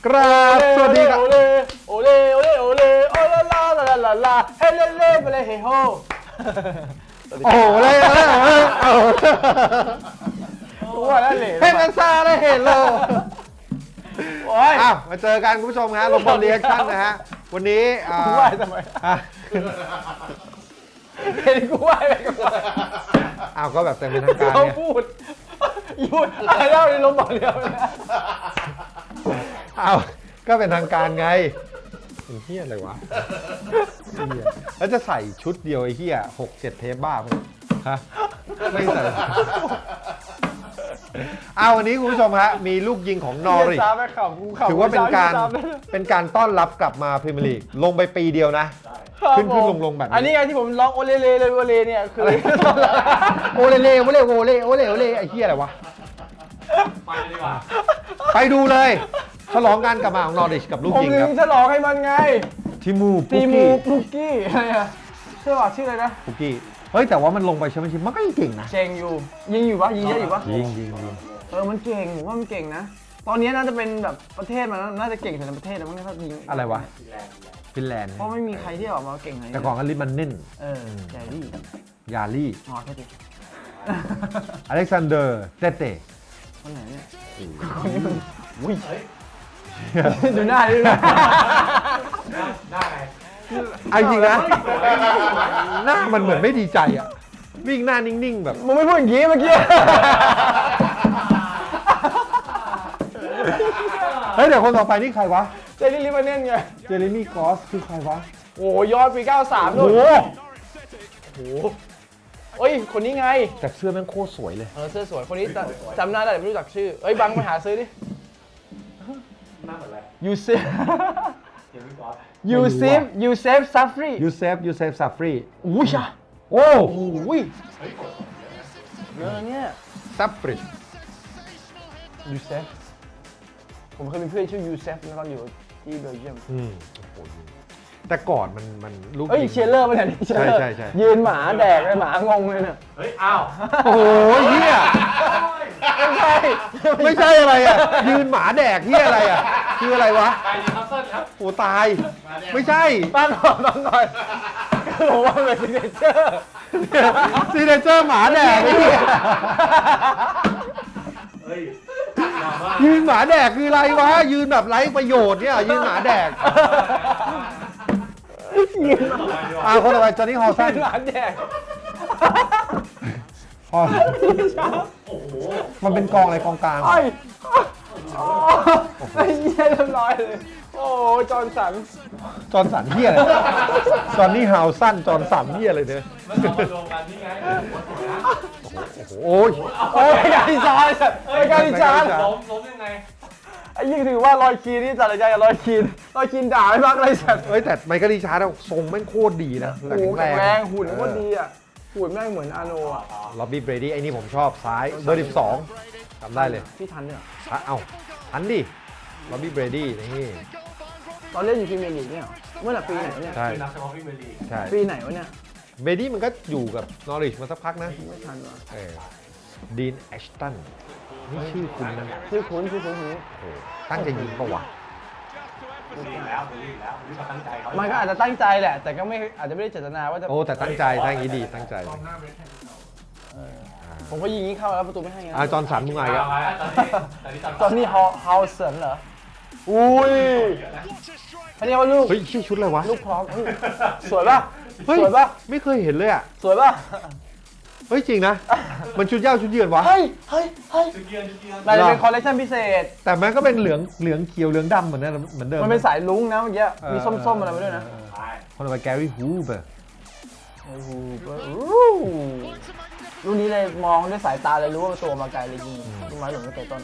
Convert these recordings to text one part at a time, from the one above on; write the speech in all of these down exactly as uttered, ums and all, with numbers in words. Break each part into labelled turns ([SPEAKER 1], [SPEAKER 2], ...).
[SPEAKER 1] กราบสวัสดีครับ
[SPEAKER 2] โอเลโอเลโอเลโอเลโอลาลาลาลาลาเฮเลเล่ไปเลยเฮโฮ
[SPEAKER 1] โอ้โหเลยเลยโอ้
[SPEAKER 2] ตัวนั่นเลย
[SPEAKER 1] เห็นกันซาได้เห็นเลย
[SPEAKER 2] โอ้ย
[SPEAKER 1] อ้าวมาเจอกันคุณผู้ชมฮะลงบอลเรียกชั่นนะฮะวันนี้อ่า
[SPEAKER 2] กูไหวทำไม
[SPEAKER 1] อ่ะ
[SPEAKER 2] เห็นกูไหวไปก่อน
[SPEAKER 1] อ้าวก็แบบแต่เป็นทางการ
[SPEAKER 2] เขา
[SPEAKER 1] เนี่ย
[SPEAKER 2] พูดพูดอะไรเล่าในลมบอกเดียวนะ
[SPEAKER 1] อ้าวก็เป็นทางการไงเป็นเฮี้ยอะไรวะเหี้ยแล้วจะใส่ชุดเดียวไอ้เฮี้ยหกเจ็ดเทปบ้ามั้งฮะไม่ใส่อ้าววันนี้คุณผู้ชมฮะมีลูกยิงของนอริช
[SPEAKER 2] ซ้ำไปขำกูขำ
[SPEAKER 1] ถือว่าเป็นการเป็นการต้อนรับกลับมาพรีเมียร์ลีกลงไปปีเดียวนะ ขึ้นขึ้นลงลงแบบนี้
[SPEAKER 2] อันนี้ไงที่ผมร้องโอเลเลเลยโอเลเนี่ยคือ
[SPEAKER 1] โอเลเลโอเลโอเลโอเลโอเลไอ้เหี้ยอะไรวะ
[SPEAKER 3] ไปเลยดีกว่า
[SPEAKER 1] ไปดูเลยฉลองการกลับมาของนอริชกับลูก
[SPEAKER 2] ผม
[SPEAKER 1] ยิง
[SPEAKER 2] ถึ
[SPEAKER 1] ครับ
[SPEAKER 2] งจะร้องให้มันไง
[SPEAKER 1] ทิมู
[SPEAKER 2] ตี
[SPEAKER 1] ปุก
[SPEAKER 2] มู
[SPEAKER 1] กี้
[SPEAKER 2] ลูกกี้อะไรอะชื่อว่าชื่ออะไรนะ
[SPEAKER 1] ปุกกี้เฮ้ยแต่ว่ามันลงไปแชมเปี้ยนชิพมันก็ยังเก่งนะ
[SPEAKER 2] เจงอยู่ยิงอยู่ปะยิงเยอะอยู่ปะ
[SPEAKER 1] ยิงยิงยิง
[SPEAKER 2] เออมันเก่งผมว่ามันเก่งนะตอนนี้น่าจะเป็นแบบประเทศมันน่าจะเก่งสุดในประเทศแล้วมั้งถ้ายิง
[SPEAKER 1] อะไรวะฟินแลนด์
[SPEAKER 2] เพราะไม่มีใครที่ออกมาเก่งขนาดนี้
[SPEAKER 1] แต่ก่อนก็ลิมันเน่น
[SPEAKER 2] เออแจรี่
[SPEAKER 1] ยาลี่
[SPEAKER 2] อ๋อแค่ดิ
[SPEAKER 1] อเล็กซานเดอร์เตเต้
[SPEAKER 2] คนไหนเนี่ยคนนี้มันอุ้ยดูหน้าดูหน้า
[SPEAKER 3] ได้ไง
[SPEAKER 1] ไอ้จริงนะหน้ามันเหมือนไม่ดีใจอ่ะวิ่งหน้านิ่งๆแบบ
[SPEAKER 2] มึงไม่พูดอย่างงี้เมื่อกี้
[SPEAKER 1] เฮ้ยเดี๋ยวคนต่อไปนี่ใครวะ
[SPEAKER 2] เจรี่ลิเวอร์เน่นไง
[SPEAKER 1] เจเรมี่กอสคือใครวะ
[SPEAKER 2] โอ้ยอดปีเก้าสาม
[SPEAKER 1] โอ้
[SPEAKER 2] นู่น
[SPEAKER 1] โห
[SPEAKER 2] โอ้โหเอ้ยคนนี้ไง
[SPEAKER 1] แต่เสื้อแม่งโคตรสวยเลย
[SPEAKER 2] เออเสื้อสวยคนนี้จำจำหน้าได้แต่ไม่รู้จักชื่อเอ้ยบังไปหาซื้อดิ
[SPEAKER 3] หน้าเหมือนอะไร
[SPEAKER 2] ยูเซฟ
[SPEAKER 3] เจมี่กอส
[SPEAKER 2] ยูเซฟยูเซฟซัฟฟรี
[SPEAKER 1] ยูเซฟยูเซฟซาฟรี
[SPEAKER 2] อุ้ยอ่ะ
[SPEAKER 1] โอ้
[SPEAKER 2] โอ้ยเยอะเนี่ย
[SPEAKER 1] ซาฟรี
[SPEAKER 2] ยูเซฟผมเคยมีเพื่อนชื่อยูเซฟนะตอนอยู่ที่เบลเยียม
[SPEAKER 1] อืมโอ้โหแต่ก่อนมันมันลูก
[SPEAKER 2] เอ้ย
[SPEAKER 1] ยิง
[SPEAKER 2] เชียร์เลอร์มาเนี่ยเชียร์เลอร์
[SPEAKER 1] ใช่ใช่ใช่
[SPEAKER 2] ยืนหมาแดกเลยหมางงเลยเนี่ย
[SPEAKER 3] เฮ้ย อ้าว
[SPEAKER 1] โอ้โหเฮีย
[SPEAKER 2] ไม่ใช่
[SPEAKER 1] ไม่ใช่อะไรอ่ะ ยืนหมาแดกเฮียอะไรอ่ะ คืออะไรวะ
[SPEAKER 3] ไปดีครับเซิลครับ
[SPEAKER 1] โอ้ตาย ไม่ใช่
[SPEAKER 2] บ้านก่อนบ้านก่อนคือผมว่ามันเป็นซิกเนเจอร์
[SPEAKER 1] ซีเนเจอร์หมาแดกไอ้เหี้ย
[SPEAKER 3] เฮ้ยมาว่า
[SPEAKER 1] ยืนหมาแดกคืออะไรวะ ยืนแบบไร้ประโยชน์เนี่ยยืนหมาแดกอ่าคนต่อไปจอห์นนี่ฮอลสัน
[SPEAKER 2] ยืนหมาแดก
[SPEAKER 1] ฮอลมันเป็นกองอะไรกองกลาง
[SPEAKER 2] ไอ้ไอ้เหี้ยเรียบร้อยเลย โอ้จอห์นสัน
[SPEAKER 1] จอห์นสันเฮียอะไรจอห์นนี่ฮาวสันจอห์นสันเฮียอะไรเนี่ย
[SPEAKER 3] มันเอามารวมกันนี่ไง
[SPEAKER 1] โอ้ย
[SPEAKER 2] โอ้ยไอ้การิจานไอ้การิจาน
[SPEAKER 3] ล้มล้มยังไง
[SPEAKER 2] ไอ้ยิ่งถือว่ารอยคีนนี่จัดรายการกับรอยคีนรอยคีนด่าไม่พักเลยสัตว์
[SPEAKER 1] เอ้ยแต่ไมเคิลรีชาร์ดอะทรงแม่งโคตรดีนะ
[SPEAKER 2] โอ้โหแข็งแรงหุ่นโคตรดีอ่ะหุ่นแม่งเหมือนอาโนอ่ะ
[SPEAKER 1] ล็อบบี้เบรดี้ไอ้นี่ผมชอบซ้ายเบอร์สิบสองจำได้เลย
[SPEAKER 2] พี่ทันเนี่ย
[SPEAKER 1] อ่ะเอ้าทันดิล็อบบี้เบรดี้นี่
[SPEAKER 2] ตอนเล่นอยู่พรีเมียร์ลีกเนี่ยเหรอเมื่อไหร่ปีไหนวะเนี่ย
[SPEAKER 1] ใช่
[SPEAKER 3] เป็นนักเตะพรีเมียร์ลีก
[SPEAKER 1] ใช่
[SPEAKER 2] ปีไหนวะเนี่ย
[SPEAKER 1] เบรดี้มันก็อยู่กับนอริชมาสักพักนะ
[SPEAKER 2] ไม่ทันวะ
[SPEAKER 1] เออดีนแอชตันนี่ชื่อคุณนะ
[SPEAKER 2] ชื่อคุ้นชื่อคุ้นคนนี้
[SPEAKER 1] โอ้โหตั้งใจยิงปะวะ
[SPEAKER 3] ลีกแล้วลีกแล้วลีกมาตั้งใจเขา
[SPEAKER 2] มันก็อาจจะตั้งใจแหละ แต่ก็ไม่อาจจะไม่ได้เจตนาว่าจะ
[SPEAKER 1] โอ้แต่ตั้งใจตั้งอย่างนี้ดีตั้งใจ
[SPEAKER 2] ผมก็ยิงนี้เข้าแล้วประตูไม่ให้ไง
[SPEAKER 1] อ่าจอห์นสันมึงไง
[SPEAKER 3] เอา
[SPEAKER 1] อ่ะ
[SPEAKER 3] ไว้ตอนนี้ตอนนี้
[SPEAKER 2] ตอนนี้ฮาวฮาวเซนเหรออุ้ยอันนี้ว่าลูก
[SPEAKER 1] เฮ้ยชื่อชุดอะไรวะ
[SPEAKER 2] ลูกพร้อมเฮ้ยสวยป่ะ
[SPEAKER 1] เฮ้ย
[SPEAKER 2] สวยป่ะ
[SPEAKER 1] ไม่เคยเห็นเลยอ่ะ
[SPEAKER 2] สวยป่ะ
[SPEAKER 1] เฮ้ยจริงนะ มันชุดเย้าชุดเยือนวะ
[SPEAKER 2] เฮ้ยเฮ้ยเฮ้ย
[SPEAKER 3] จุดเยือนจุดเยือน
[SPEAKER 2] น่าจะเป็นคอลเลคชันพิเศษ
[SPEAKER 1] แต่มันก็เป็นเหลืองเหลืองเขียวเหลืองดำเหมือนเดิมเหมือนเดิม
[SPEAKER 2] มันเป็นสายลุ้งนะเมื่อกี้
[SPEAKER 1] เออ
[SPEAKER 2] มีส้มๆอะไรมาด้วยนะ
[SPEAKER 3] ไป
[SPEAKER 1] คนต่อไปแกรี่ฮูเบอร์
[SPEAKER 2] โอ้โหรุ่นนี้เลยมองด้วยสายตาเลยรู้ว่าตัวมาไกลเลยยิงลูกไม้หล่นไม่ไกลต้น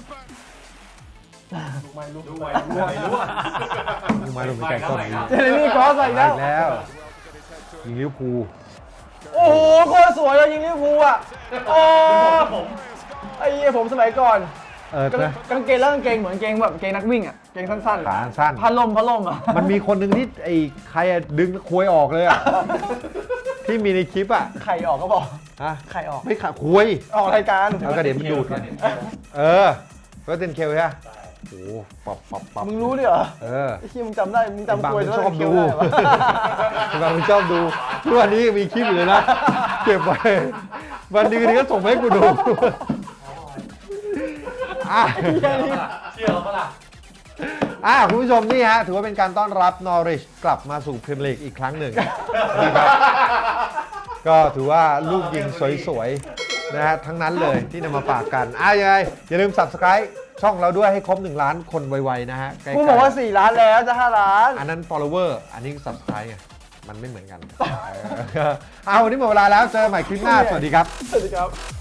[SPEAKER 3] ไม่รู้ด้วยไม่รู้อ่ะ
[SPEAKER 1] มึงมาลงไปไกลต้นนี้
[SPEAKER 2] เจเรมี่ครอสอีก
[SPEAKER 1] มา
[SPEAKER 2] แล้ว
[SPEAKER 1] อีกแล้วยิงลิเวอร์พูล
[SPEAKER 2] โอ้โหโคตรสวยเลยยิงลิเวอร์พูลอ่ะโอ้
[SPEAKER 3] ผม
[SPEAKER 2] ไอ้เหี้ยผมสมัยก่อน
[SPEAKER 1] เออนะ
[SPEAKER 2] กางเกงแล้วกางเกงเหมือนกางเกงแบบกางเกงนักวิ่งอ่ะกางเกงสั้นๆ
[SPEAKER 1] ขาสั้น
[SPEAKER 2] พันลมพันลมอ่ะ
[SPEAKER 1] มันมีคนหนึ่งที่ไอ้ใครอะดึงควยออกเลยอ่ะ ที่มีในคลิปอ่ะ
[SPEAKER 2] ไข่ออกก็บอก
[SPEAKER 1] ฮะ
[SPEAKER 2] ไข่ออก
[SPEAKER 1] ไม่ขาควย
[SPEAKER 2] ออกรายการ
[SPEAKER 1] แล้วก็เดี๋ยวมันดูดกันเออก็เต็นเคลใช่ไหมโอ้ปับปับปับ
[SPEAKER 2] มึงรู้ด้วยเหรอ
[SPEAKER 1] เออ
[SPEAKER 2] ไอ้เหี้ยมึงจำได้ มึงจำ
[SPEAKER 1] บาง
[SPEAKER 2] กลวย
[SPEAKER 1] มัน
[SPEAKER 2] ตัว
[SPEAKER 1] ชอบ
[SPEAKER 2] เคี้
[SPEAKER 1] ดู
[SPEAKER 2] ยวได้ปะ
[SPEAKER 1] บางมันชอบดูทุกวันนี้มีคลิปอยู่เลยนะ เก็บไว้ วันดีนี้ก็ส่งมาให้กูดู อ่ะ
[SPEAKER 3] เชื่อเราปะล่ะ
[SPEAKER 1] อ่ะคุณผู้ชมนี่ฮะ ถือว่าเป็นการต้อนรับนอริชกลับมาสู่พรีเมียร์ลีกอีกครั้งหนึ่งนะครับ ก็ถือว่าลูกยิงสวยๆ นะฮะ ทั้งนั้นเลยที่นำมาฝากกัน อ่ะยังไง อย่าลืม Subscribe ช่องเราด้วยให้ครบหนึ่งล้านคนไวๆนะฮะใกล้ๆ
[SPEAKER 2] มึงบอกว่าสี่ล้านแล้วจะห้าล้าน
[SPEAKER 1] อันนั้น follower อันนี้ subscribe ไง มันไม่เหมือนกัน เออเอาวันนี้หมดเวลาแล้ว เจอกันใหม่คลิปหน้า สวัสดีครับ
[SPEAKER 2] สวัสดีครับ